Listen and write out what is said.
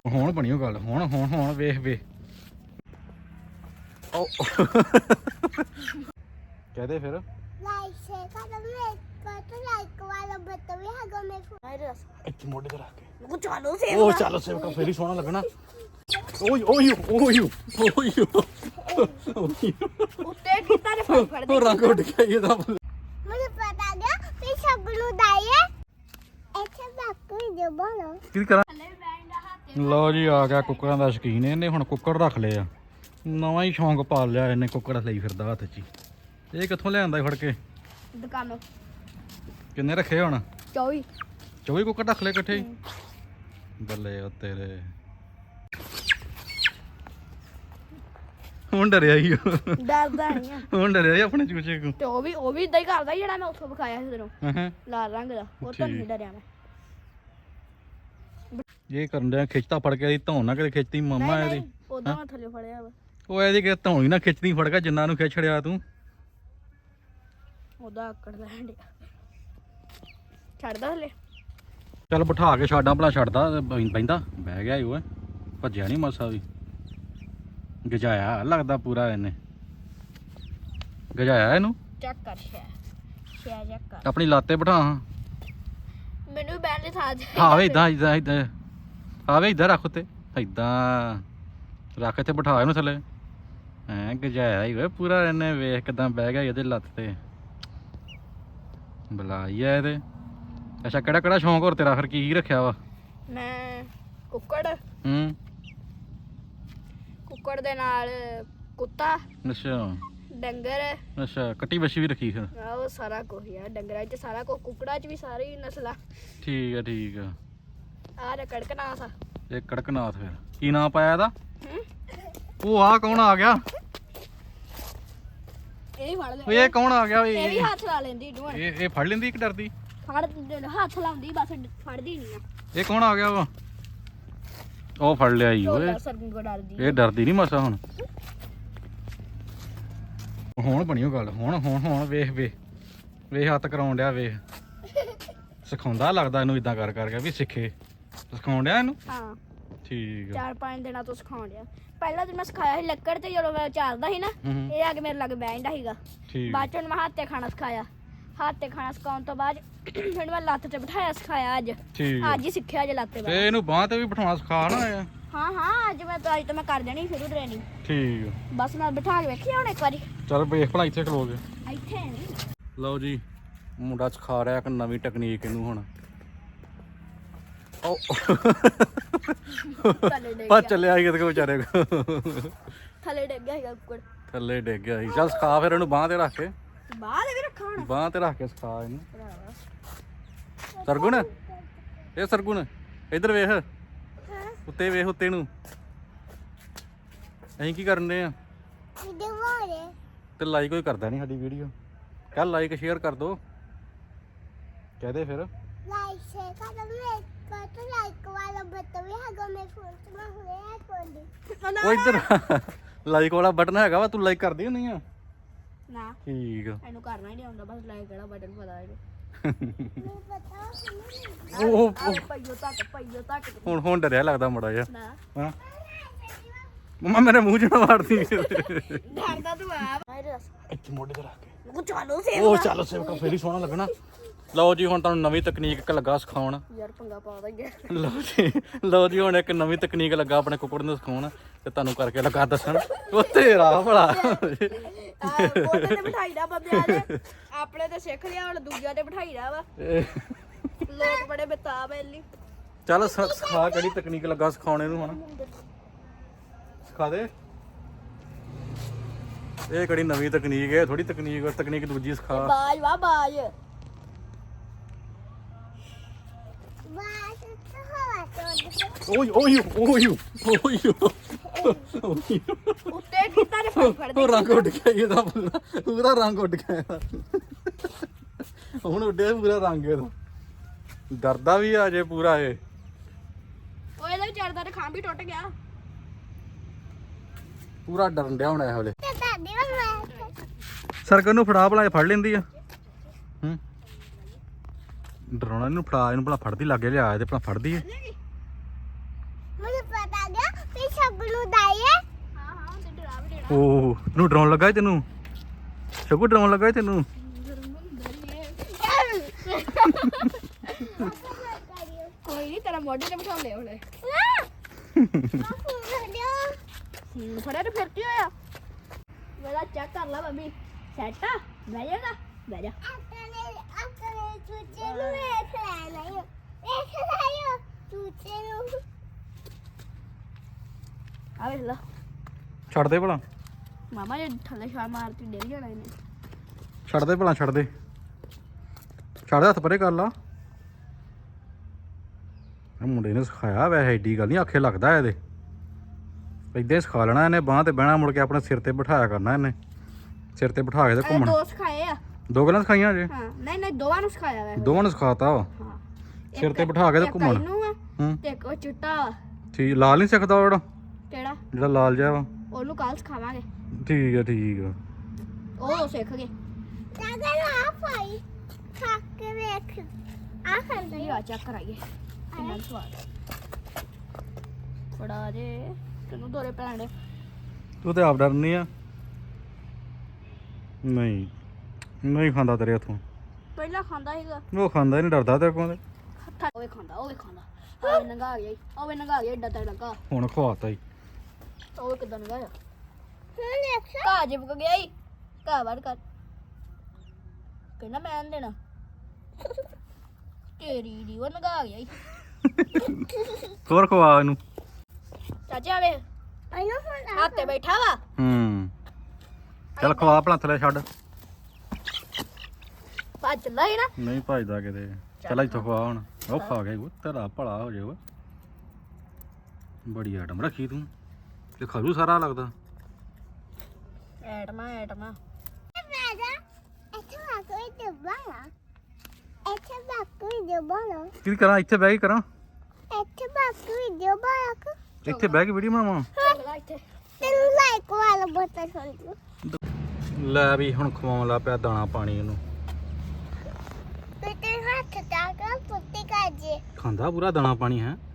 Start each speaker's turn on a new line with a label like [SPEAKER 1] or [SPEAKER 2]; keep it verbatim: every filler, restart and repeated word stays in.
[SPEAKER 1] ਹੁਣ ਬਣੀ ਉਹ ਗੱਲ ਹੁਣ ਹੁਣ ਹੁਣ ਵੇਖ ਵੇ ਉਹ ਕਹਦੇ ਫਿਰ
[SPEAKER 2] ਲਾਈਕ ਸ਼ੇਅਰ ਕਰੋ ਮੇਰੇ ਕੋਲ ਲਾਈਕ ਵਾਲਾ ਬਟਨ ਵੀ ਹੈਗਾ ਮੇਰੇ ਫੋਨ ਆਏ ਰਸ
[SPEAKER 1] ਇੱਥੇ ਮੋਢੇ ਤੇ ਰੱਖ ਕੇ
[SPEAKER 2] ਉਹ ਚਾਲੂ ਸੇਵ
[SPEAKER 1] ਉਹ ਚੱਲ ਸੇਵਕਾ ਫੇਰ ਹੀ ਸੋਹਣਾ ਲੱਗਣਾ ਓਏ ਓਏ ਓਏ ਓਏ
[SPEAKER 2] ਉੱਤੇ ਕੀਤਾ ਨੇ ਫੜ ਫੜ
[SPEAKER 1] ਉਹ ਰੰਗ ਉੱਡ ਗਿਆ ਇਹਦਾ
[SPEAKER 2] ਮੈਨੂੰ ਪਤਾ ਗਿਆ ਵੀ ਸਭ ਨੂੰ ਦਾਈਏ ਇੱਥੇ ਬਾਕੀ ਜੋ ਬੋਲੋ
[SPEAKER 1] ਕੀ ਕਰਾਂ ਲਓ ਜੀ ਆ ਗਿਆ ਕੁੱਕਰਾਂ ਦਾ ਸ਼ੌਕੀਨ ਇਹਨੇ ਹੁਣ ਕੁੱਕੜ ਰੱਖ ਲਏ ਆ ਨਵਾਂ ਹੀ ਸ਼ੌਂਕ ਪਾਲ ਲਿਆ ਇਹਨੇ ਕੁੱਕੜ ਲਈ ਫਿਰਦਾ ਹੱਥ 'ਚ ਇਹ ਕਿੱਥੋਂ ਲਿਆਂਦਾ ਫੜ ਕੇ
[SPEAKER 2] ਦੁਕਾਨੋਂ
[SPEAKER 1] ਕਿੰਨੇ ਰੱਖੇ ਹੁਣ
[SPEAKER 2] ਚੌਵੀ
[SPEAKER 1] ਚੌਵੀ ਕੁੱਕੜ ਰੱਖ ਲਏ ਇਕੱਠੇ ਬੱਲੇ ਉਹ ਤੇਰੇ ਹੁਣ ਡਰਿਆ ਹੀ
[SPEAKER 2] ਡਰਦਾ ਨਹੀਂ ਆ
[SPEAKER 1] ਹੁਣ ਡਰਿਆ ਹੀ ਆਪਣੇ ਚੂਚੇ ਕੋ
[SPEAKER 2] ਤੇ ਉਹ ਵੀ ਉਹ ਵੀ ਇਦਾਂ ਹੀ ਕਰਦਾ ਜਿਹੜਾ ਮੈਂ ਉੱਥੋਂ ਵਿਖਾਇਆ ਸੀ ਤੈਨੂੰ
[SPEAKER 1] ਹਾਂ
[SPEAKER 2] ਲਾਲ ਰੰਗ ਦਾ ਉਹ ਤਾਂ ਨਹੀਂ ਡਰਿਆ ਮੈਂ
[SPEAKER 1] ਇਹ ਕਰਨ ਡਿਆ ਖਿੱਚਤਾ ਫੜ ਕੇ ਇਹਦੀ ਧੌਣ ਨਾ ਕਿਤੇ ਖਿੱਚਦੀ ਮੰਮਾ ਇਹਦੀ
[SPEAKER 2] ਉਦੋਂ ਮੈਂ ਥੱਲੇ ਫੜਿਆ ਵਾ
[SPEAKER 1] ਉਹ ਇਹਦੀ ਕਿ ਧੌਣ ਹੀ ਨਾ ਖਿੱਚਦੀ ਫੜ ਕੇ ਜਿੰਨਾ ਨੂੰ ਖਿੱਚ ਛੜਿਆ ਤੂੰ
[SPEAKER 2] ਉਹਦਾ ਆਕੜ ਲੈਣ ਡਿਆ ਛੱਡਦਾ ਥੱਲੇ
[SPEAKER 1] ਚੱਲ ਬਿਠਾ ਕੇ ਛਾਡਾਂ ਭਲਾ ਛੱਡਦਾ ਬੈਂਦਾ ਬਹਿ ਗਿਆ ਉਹ ਭੱਜਿਆ ਨਹੀਂ ਮਾਸਾ ਵੀ ਗਜਾਇਆ ਲੱਗਦਾ ਪੂਰਾ ਇਹਨੇ ਗਜਾਇਆ ਇਹਨੂੰ
[SPEAKER 2] ਚੈੱਕ ਕਰ ਸ਼ੈ ਸ਼ੈ ਚੈੱਕ ਕਰ
[SPEAKER 1] ਆਪਣੀ ਲਾਤੇ ਬਿਠਾ ਹਾਂ
[SPEAKER 2] ਮੈਨੂੰ ਬੈਠ ਦੇ ਥਾਂ ਤੇ
[SPEAKER 1] ਆਵੇ ਇਦਾਂ ਇਦਾਂ ਇਦਾਂ ਆਵੇ ਇਦਾਂ ਰੱਖ ਉੱਤੇ ਇਦਾਂ ਰੱਖ ਇੱਥੇ ਬਿਠਾ ਇਹਨੂੰ ਥੱਲੇ ਐ ਗਜਾਇਆ ਹੀ ਓਏ ਪੂਰਾ ਇਹਨੇ ਵੇਖ ਕਿਦਾਂ ਬਹਿ ਗਿਆ ਇਹਦੇ ਲੱਤ ਤੇ ਬੁਲਾਈ ਆ ਇਹਦੇ ਅੱਛਾ ਕਿਹੜਾ ਕਿਹੜਾ ਸ਼ੌਂਕ ਹੋਰ ਤੇਰਾ ਫਿਰ ਕੀ ਰੱਖਿਆ ਵਾ
[SPEAKER 2] ਮੈਂ ਕੁੱਕੜ
[SPEAKER 1] ਹੂੰ
[SPEAKER 2] ਕੁੱਕੜ ਦੇ ਨਾਲ ਕੁੱਤਾ
[SPEAKER 1] ਅੱਛਾ
[SPEAKER 2] ਡੰਗਰ
[SPEAKER 1] ਅੱਛਾ ਕੱਟੀ ਬੱਛੀ ਵੀ ਰੱਖੀ ਫਿਰ
[SPEAKER 2] ਉਹ ਸਾਰਾ ਕੁਝ ਯਾਰ ਡੰਗਰਾਂ 'ਚ ਸਾਰਾ ਕੁਝ ਕੁੱਕੜਾਂ 'ਚ ਵੀ ਸਾਰੀ ਨਸਲਾਂ
[SPEAKER 1] ਠੀਕ ਆ ਠੀਕ ਆ
[SPEAKER 2] ਆਹ ਰ ਕੜਕਨਾਥ ਆ
[SPEAKER 1] ਇਹ ਕੜਕਨਾਥ ਫਿਰ ਕੀ ਨਾਂ ਪਾਇਆ ਇਹਦਾ
[SPEAKER 2] ਹੂੰ
[SPEAKER 1] ਉਹ ਆ ਕੌਣ ਆ ਗਿਆ
[SPEAKER 2] ਇਹ ਹੀ ਫੜ ਲੈ
[SPEAKER 1] ਓਏ ਇਹ ਕੌਣ ਆ ਗਿਆ ਓਏ
[SPEAKER 2] ਇਹ ਵੀ
[SPEAKER 1] ਇਹ
[SPEAKER 2] ਹੱਥ ਲਾ ਲੈਂਦੀ ਡੂਣ
[SPEAKER 1] ਇਹ ਇਹ ਫੜ ਲੈਂਦੀ ਕਿ ਡਰਦੀ
[SPEAKER 2] ਫੜ ਹੱਥ ਲਾਉਂਦੀ ਬਸ ਫੜਦੀ ਨਹੀਂ ਆ
[SPEAKER 1] ਇਹ ਕੌਣ ਆ ਗਿਆ ਵਾ ਉਹ ਫੜ ਲਿਆ ਈ ਓਏ
[SPEAKER 2] ਢੋਲਾ ਸਰਗੁਣ ਕੋ ਡਰਦੀ
[SPEAKER 1] ਇਹ ਡਰਦੀ ਨਹੀਂ ਮਾਸਾ ਹੁਣ ਹੁਣ ਬਣੀ ਉਹ ਗੱਲ ਹੁਣ ਹੁਣ ਹੁਣ ਵੇਖ ਵੇ ਵੇਖ ਹੱਥ ਕਰਾਉਣ ਡਿਆ ਵੇਖ ਸਿਖਾਉਂਦਾ ਲੱਗਦਾ ਇਹਨੂੰ ਇਦਾਂ ਕਰ ਕਰਕੇ ਵੀ ਸਿੱਖੇ ਸਿਖਾਉਣ ਡਿਆ ਇਹਨੂੰ
[SPEAKER 2] ਹਾਂ
[SPEAKER 1] ਠੀਕ ਆ
[SPEAKER 2] ਚਾਰ ਪੰਜ ਦਿਨਾਂ ਤੋਂ ਸਿਖਾਉਣ ਡਿਆ ਪਹਿਲਾਂ ਦਿਨ ਮੈਂ ਸਿਖਾਇਆ ਸੀ ਲੱਕੜ ਤੇ ਜਦੋਂ ਮੈਂ ਚਾਰਦਾ ਸੀ ਨਾ
[SPEAKER 1] ਹੂੰ
[SPEAKER 2] ਇਹ ਆ ਕੇ ਮੇਰੇ ਲਾਗੇ ਬੈਠਦਾ ਸੀਗਾ
[SPEAKER 1] ਠੀਕ
[SPEAKER 2] ਬਾਅਦ ਚੋਂ ਮੈਂ ਹੱਥ ਤੇ ਖਾਣਾ ਸਿਖਾਇਆ ਹੱਥ ਤੇ ਖਾਣਾ ਸਿਖਾਉਣ ਤੋਂ ਬਾਅਦ ਫਿਰ ਮੈਂ ਲੱਤ ਤੇ ਬਿਠਾਇਆ ਸਿਖਾਇਆ ਅੱਜ
[SPEAKER 1] ਠੀਕ ਆ।
[SPEAKER 2] ਅੱਜ ਹੀ ਸਿੱਖਿਆ ਅੱਜ ਲੱਤ ਤੇ
[SPEAKER 1] ਤੇ
[SPEAKER 2] ਬੈਠ
[SPEAKER 1] ਇਹਨੂੰ ਬਾਂਹ ਤੇ ਵੀ ਬਿਠਾਉਣਾ ਸਿਖਾ ਨਾ ਆਇਆ
[SPEAKER 2] ਹਾਂ ਹਾਂ ਅੱਜ ਮੈਂ ਤਾਂ ਅੱਜ ਤੋਂ ਮੈਂ ਕਰ ਦੇਣੀ ਸ਼ੁਰੂ ਟ੍ਰੇਨਿੰਗ
[SPEAKER 1] ਠੀਕ ਆ
[SPEAKER 2] ਬਸ ਮੈਂ ਬਿਠਾ ਕੇ ਵੇਖੀ ਹੁਣ ਇੱਕ ਵਾਰੀ
[SPEAKER 1] ਚੱਲ ਵੇਖ ਭਲਾ ਇੱਥੇ ਖਲੋ ਕੇ
[SPEAKER 2] ਇੱਥੇ ਨਹੀਂ
[SPEAKER 1] ਲਓ ਜੀ ਮੁੰਡਾ ਸਿਖਾ ਰਿਹਾ ਇੱਕ ਨਵੀਂ ਟੈਕਨੀਕ ਇਹਨੂੰ ਹੁਣ ਉਹ
[SPEAKER 2] ਥੱਲੇ ਡਿੱਗ
[SPEAKER 1] ਆ
[SPEAKER 2] ਗਿਆ
[SPEAKER 1] ਚੱਲਿਆ ਸੀ ਕਿਤੇ ਵਿਚਾਰੇ ਕੋ
[SPEAKER 2] ਥੱਲੇ ਡਿੱਗ ਗਿਆ ਸੀਗਾ ਕੁੱਕੜ
[SPEAKER 1] ਥੱਲੇ ਡਿੱਗ ਗਿਆ ਸੀ ਚੱਲ ਸਿਖਾ ਫਿਰ ਇਹਨੂੰ ਬਾਂਹ ਤੇ ਰੱਖ ਕੇ
[SPEAKER 2] ਬਾਹਰ ਵੀ ਰੱਖਾ ਹੁਣ
[SPEAKER 1] ਬਾਂਹ ਤੇ ਰੱਖ ਕੇ ਸਿਖਾ ਇਹਨੂੰ ਸਰਗੁਣ ਇਹ ਸਰਗੁਣ ਇੱਧਰ ਵੇਖ ਉੱਤੇ ਵੇਖ ਉੱਤੇ ਨੂੰ ਅਸੀਂ ਕੀ ਕਰਨ ਦੇ ਆ ਤੇ ਲਾਈਕ ਕੋਈ ਕਰਦਾ ਨਹੀਂ ਸਾਡੀ ਵੀਡੀਓ ਕੱਲ ਲਾਈਕ ਸ਼ੇਅਰ ਕਰ ਦੋ ਕਹਦੇ ਫਿਰ
[SPEAKER 2] ਲਾਈਕ ਸ਼ੇਅਰ ਕਰੋ ਮੇਰੇ ਕੋਲ ਲਾਈਕ ਵਾਲਾ ਬਟਨ ਵੀ ਹੈਗਾ ਮੇਰੇ ਫੋਨ ਤੇ ਮੈਂ ਹੁਣੇ ਆ ਕੋਲ
[SPEAKER 1] ਉਹ ਇੱਧਰ ਲਾਈਕ ਵਾਲਾ ਬਟਨ ਹੈਗਾ ਵਾ ਤੂੰ ਲਾਈਕ ਕਰਦੀ ਹੁੰਦੀ ਆ
[SPEAKER 2] ਨਾ
[SPEAKER 1] ਠੀਕ ਆ
[SPEAKER 2] ਇਹਨੂੰ ਕਰਨਾ ਹੀ ਨਹੀਂ ਆਉਂਦਾ ਬਸ ਲਾਈਕ ਵਾਲਾ ਬਟਨ ਪਤਾ ਇਹਨੂੰ ਮੈਨੂੰ ਪਤਾ
[SPEAKER 1] ਉਹ ਉਹ-
[SPEAKER 2] ਪਈਓ ਤੱਕ ਪਈਓ ਤੱਕ
[SPEAKER 1] ਹੁਣ ਹੁਣ ਡਰਿਆ ਲੱਗਦਾ ਮੜਾ ਜਿਹਾ
[SPEAKER 2] ਨਾ
[SPEAKER 1] ਹਾਂ ਮੰਮਾ ਮੇਰੇ ਮੂੰਹ ਚ ਨਾ ਮਾਰਦੀ
[SPEAKER 2] ਡਰਦਾ ਤੂੰ ਆ ਮੇਰੇ ਦੱਸ
[SPEAKER 1] ਇੱਥੇ ਮੋਢੇ ਤੇ ਰੱਖ ਕੇ
[SPEAKER 2] ਉਹ ਚਾਲੂ ਸੇ
[SPEAKER 1] ਉਹ ਚੱਲ ਸੇਵਕਾ ਫੇਰ ਹੀ ਸੋਹਣਾ ਲੱਗਣਾ ਲਓ ਜੀ ਹੁਣ ਤੁਹਾਨੂੰ ਨਵੀਂ ਤਕਨੀਕ ਇੱਕ ਲੱਗਾ ਸਿਖਾਉਣ
[SPEAKER 2] ਯਾਰ ਪੰਗਾ ਪਾ ਦਾ ਗਿਆ
[SPEAKER 1] ਲਓ ਜੀ ਲਓ ਜੀ ਹੁਣ ਇੱਕ ਨਵੀਂ ਤਕਨੀਕ ਲੱਗਾ ਆਪਣੇ ਕੁੱਕੜ ਨੂੰ ਸਿਖਾਉਣ ਤੇ ਤੁਹਾਨੂੰ ਕਰਕੇ ਲੱਗਾ ਦੱਸਣ ਉਹ ਤੇਰਾ ਭਲਾ
[SPEAKER 2] ਉਹਦੇ ਤੇ ਬਿਠਾਈਦਾ ਬੰਦਿਆਂ ਨੇ ਆਪਣੇ ਤੇ ਸਿੱਖ ਲਿਆ ਹੁਣ ਦੂਜਿਆਂ ਤੇ ਬਿਠਾਈਦਾ ਵਾ ਲੋਕ ਬੜੇ ਬੇਤਾਬ ਐ ਲਈ
[SPEAKER 1] ਚੱਲ ਸ- ਸਿਖਾ ਕਿਹੜੀ ਤਕਨੀਕ ਲੱਗਾ ਸਿਖਾਉਣ ਇਹਨੂੰ ਹੁਣ ਸਿਖਾ ਦੇ ਇਹ ਕਿਹੜੀ ਨਵੀਂ ਤਕਨੀਕ ਹੈ ਥੋੜੀ ਤਕਨੀਕ ਤਕਨੀਕ ਦੂਜੀ ਸਿਖਾ
[SPEAKER 2] ਬਾਜ ਵਾ ਬਾਜ
[SPEAKER 1] ਓਏ ਓਏ ਓਏ ਓਏ
[SPEAKER 2] ਉੱਤੇ ਕੀਤਾ ਨੇ ਫੜ ਫੜ
[SPEAKER 1] ਉਹ ਰੰਗ ਉੱਡ ਗਿਆ ਇਹਦਾ ਪੂਰਾ ਪੂਰਾ ਰੰਗ ਉੱਡ ਗਿਆ ਇਹਦਾ। ਹੁਣ ਉੱਡਿਆ ਪੂਰਾ ਰੰਗ ਇਹਦਾ ਡਰਦਾ ਵੀ ਆ ਜੇ ਪੂਰਾ ਇਹ
[SPEAKER 2] ਉਹ ਇਹਦਾ ਵਿਚਾਰ ਦਾ ਖਾਂ ਵੀ ਟੁੱਟ ਗਿਆ
[SPEAKER 1] ਪੂਰਾ ਡਰਨ ਡਿਆ ਹੁਣ ਇਹ ਵੇਲੇ ਸਰਕਨ ਨੂੰ ਫੜਾ ਭਲਾ ਇਹ ਫੜ ਲੈਂਦੀ ਆ ਹੂੰ ਡਰਾਉਣਾ ਇਹਨੂੰ ਫੜਾ ਇਹਨੂੰ ਭਲਾ ਫੜਦੀ ਲੱਗੇ ਲਿਆ ਤੇ ਭਲਾ ਫੜਦੀ ਏ
[SPEAKER 2] ਮੈਨੂੰ
[SPEAKER 3] ਸ਼ਗਨੂ ਦਾਈਏ
[SPEAKER 2] ਹਾਂ ਹਾਂ ਤੇ ਡਰਾ ਵੀ ਦੇਣਾ
[SPEAKER 1] ਓ ਤੈਨੂੰ ਡਰਾਉਣ ਲੱਗਾ ਏ ਤੈਨੂੰ ਸ਼ਗੂ ਡਰਾਉਣ ਲੱਗਾ ਏ ਤੈਨੂੰ
[SPEAKER 2] ਕੋਈ ਨਹੀਂ ਤੇਰਾ ਮੋਢੇ ਤੇ ਬਿਠਾਉਂਦੇ ਉਹਨੇ ਹੂੰ ਫੜਿਆ ਤੇ ਫਿਰ ਕੀ ਹੋਇਆ ਮੇਰਾ ਚੈੱਕ ਕਰ ਲਾ ਮੰਮੀ ਸੈਟ ਆ ਬਹਿ ਜਾਗਾ ਬਹਿ ਜਾ
[SPEAKER 3] ਆਪਣੇ ਆਪਣੇ ਚੂਚੇ ਨੂੰ ਵੇਖ ਲੈਣਾ ਈ ਵੇਖ ਲਾਇਓ ਚੂਚੇ ਨੂੰ
[SPEAKER 2] ਆ ਵੇਖ ਲਾ
[SPEAKER 1] ਛੱਡ ਦੇ ਭਲਾ
[SPEAKER 2] ਮਾਮਾ ਜੇ ਥੱਲੇ ਛਾਲ ਮਾਰਤੀ ਡੇਲ ਜਾਣਾ ਇਹਨੇ
[SPEAKER 1] ਛੱਡ ਦੇ ਭਲਾ ਛੱਡ ਦੇ ਛੱਡ ਦੇ ਹੱਥ ਪਰੇ ਕਰ ਲਾ ਇਹ ਮੁੰਡੇ ਨੇ ਸਿਖਾਇਆ ਵੈਸੇ ਐਡੀ ਗੱਲ ਨਹੀਂ ਆਖੇ ਲੱਗਦਾ ਇਹਦੇ ਏਦਾਂ ਹੀ ਸਿਖਾ ਲੈਣਾ ਇਹਨੇ ਬਾਂਹ ਤੇ ਬਹਿਣਾ ਮੁੜ ਕੇ ਆਪਣੇ ਸਿਰ ਤੇ ਬਿਠਾਇਆ ਕਰਨਾ ਇਹਨੇ ਸਿਰ ਤੇ ਬਿਠਾ ਕੇ ਤੇ
[SPEAKER 2] ਇਹ
[SPEAKER 1] ਘੁੰਮਣਾ
[SPEAKER 2] ਦੋ ਸਿਖਾਏ ਆ
[SPEAKER 1] ਦੋ ਗੱਲਾਂ ਸਿਖਾਈਆਂ ਜੇ
[SPEAKER 2] ਹਾਂ ਨਹੀਂ ਨਹੀਂ ਦੋਵਾਂ ਨੂੰ ਸਿਖਾਇਆ ਵੈ
[SPEAKER 1] ਦੋਵਾਂ ਨੂੰ ਸਿਖਾਤਾ ਵਾ
[SPEAKER 2] ਹਾਂ
[SPEAKER 1] ਸਿਰ ਤੇ ਬਿਠਾ ਕੇ ਤੇ
[SPEAKER 2] ਇੱਕ
[SPEAKER 1] ਘੁੰਮਣ
[SPEAKER 2] ਇਹਨੂੰ ਆ
[SPEAKER 1] ਹੂੰ
[SPEAKER 2] ਤੇ ਇੱਕ ਉਹ ਚਿੱਟਾ ਵਾ
[SPEAKER 1] ਠੀਕ ਲਾਲ ਨਹੀਂ ਸਿੱਖਦਾ ਉਹ ਜਿਹੜਾ
[SPEAKER 2] ਕਿਹੜਾ
[SPEAKER 1] ਜਿਹੜਾ ਲਾਲ ਜਿਹਾ ਵਾ
[SPEAKER 2] ਉਹਨੂੰ ਕੱਲ ਸਿਖਾਵਾਂਗੇ
[SPEAKER 1] ਠੀਕ ਆ ਠੀਕ ਆ
[SPEAKER 2] ਉਹ ਸਿੱਖ ਗਏ
[SPEAKER 3] ਨਗਰ ਆ ਪਾਈ ਖਾ ਕੇ ਵੇਖ ਆ ਖਾਂਦਾ
[SPEAKER 2] ਇਹ ਆ ਚੈੱਕ ਕਰਾਈਏ ਕਿੰਨਾ ਸਵਾਦ ਫੜਾ ਦੇ ਤੈਨੂੰ ਦੋਰੇ ਪੈਣੇ
[SPEAKER 1] ਤੂੰ ਤੇ ਆਪ ਡਰਨੀ ਆ ਨਹੀਂ ਨਹੀਂ ਖਾਂਦਾ ਤੇਰੇ ਹੱਥੋਂ
[SPEAKER 2] ਪਹਿਲਾਂ ਖਾਂਦਾ ਸੀਗਾ
[SPEAKER 1] ਉਹ ਖਾਂਦਾ ਹੀ ਨਹੀਂ ਡਰਦਾ ਤੇਰੇ ਕੋਲ
[SPEAKER 2] ਹੱਥਾਂ ਉਹ ਵੀ ਖਾਂਦਾ ਉਹ ਵੀ ਖਾਂਦਾ ਉਹ ਵੀ ਨੰਗਾ ਗਿਆ ਈ, ਉਹ ਵੀ ਨੰਗਾ ਗਿਆ ਏਡਾ ਤੜ ਲੱਗਾ
[SPEAKER 1] ਹੁਣ ਖਵਾਤਾ ਹੀ
[SPEAKER 2] ਉਹ ਵੀ ਕਿਦਾਂ ਨੰਗਾ ਆ
[SPEAKER 3] ਹੁਣ ਦੇਖ
[SPEAKER 2] ਘਾ ਜਿਪਕ ਗਿਆ ਈ ਘਾ ਵੜ ਕਰ ਕਹਿੰਦਾ ਮੈਂ ਨੀ ਦੇਣਾ ਤੇਰੀ ਦੀ ਉਹ ਨੰਗਾ ਗਿਆ ਈ
[SPEAKER 1] ਹੋਰ ਖਵਾ ਇਹਨੂੰ
[SPEAKER 2] ਚਾਚਾ ਵੇ
[SPEAKER 3] ਇਹਨੂੰ ਹੁਣ
[SPEAKER 2] ਹੱਥੇ ਬੈਠਾ ਵਾ
[SPEAKER 1] ਹੂੰ ਚੱਲ ਖਵਾ ਭਲਾ ਥੱਲੇ ਛੱਡ
[SPEAKER 2] ਭੱਜ ਚੱਲਾ ਹੀ ਨਾ
[SPEAKER 1] ਨਹੀਂ ਭਜਦਾ ਕਿਤੇ ਚੱਲ ਇੱਥੋਂ ਖਵਾ ਹੁਣ ਉਹ ਖਾ ਗਿਆ ਉਹ ਤੇਰਾ ਭਲਾ ਹੋ ਜਾਊਗਾ ਬੜੀ ਆਈਟਮ ਰੱਖੀ ਤੂੰ ਤੇ ਖਾਜੂ ਸਾਰਾ ਲੱਗਦਾ
[SPEAKER 2] ਐਟਮਾ ਐਟਮਾ
[SPEAKER 3] ਰਾਜਾ ਇੱਥੇ ਆ ਕੋਈ ਦਬਾਣਾ ਇੱਥੇ ਬਾਕੀ ਦਬਾਣਾ
[SPEAKER 1] ਕੀ ਕਰਾਂ ਇੱਥੇ ਬਹਿ ਕੇ ਕਰਾਂ
[SPEAKER 3] ਇੱਥੇ ਬਾਕੀ ਦਬਾਣਾ
[SPEAKER 1] ਇੱਥੇ ਬਹਿ ਕੇ ਵੀਡੀਓ ਬਣਾਵਾਂ
[SPEAKER 2] ਚੱਲ ਇੱਥੇ
[SPEAKER 3] ਤੈਨੂੰ ਲਾਈਕ ਵਾਲਾ ਬਟਨ ਸੁਣ
[SPEAKER 1] ਲੈ ਵੀ ਹੁਣ ਖਵਾਉਣ ਲੱਗ ਪਿਆ ਦਾਣਾ ਪਾਣੀ ਇਹਨੂੰ
[SPEAKER 3] ਤੇ ਤੇ ਹੱਥ ਤੱਕ ਪੁੱਤੀ ਕਾਜੇ
[SPEAKER 1] ਖਾਂਦਾ ਪੂਰਾ ਦਾਣਾ ਪਾਣੀ ਹੈ